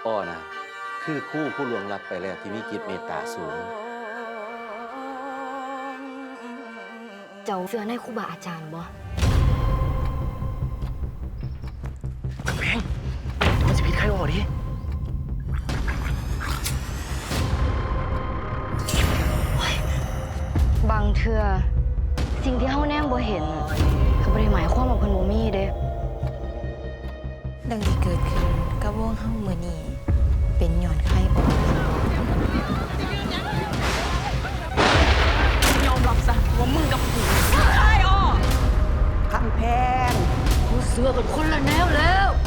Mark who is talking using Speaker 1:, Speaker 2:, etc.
Speaker 1: อ้อนะคือครู่ผู้ล่วงลับไปแล้วที่มีจิตเมตตาสูง
Speaker 2: เจ้าเสื้อในครูบาอาจารย์บ่
Speaker 3: แม่งมันจะผิดใครออกดิ
Speaker 2: บางเทื่อสิ่งที่เฮาแนมบ่เห็นก็บ่ได้หมายความว่าเพิ่นบ่มีเด้
Speaker 4: ดังที่เกิดขึ้นกับวงเฮามื้อนี้เป็นย้อนไข้ออก
Speaker 5: ยอมรับซะว่ามึงกับกูใช่อ้อ
Speaker 6: คำแพง
Speaker 2: กูเสื้อกันคนละแนวแล้ว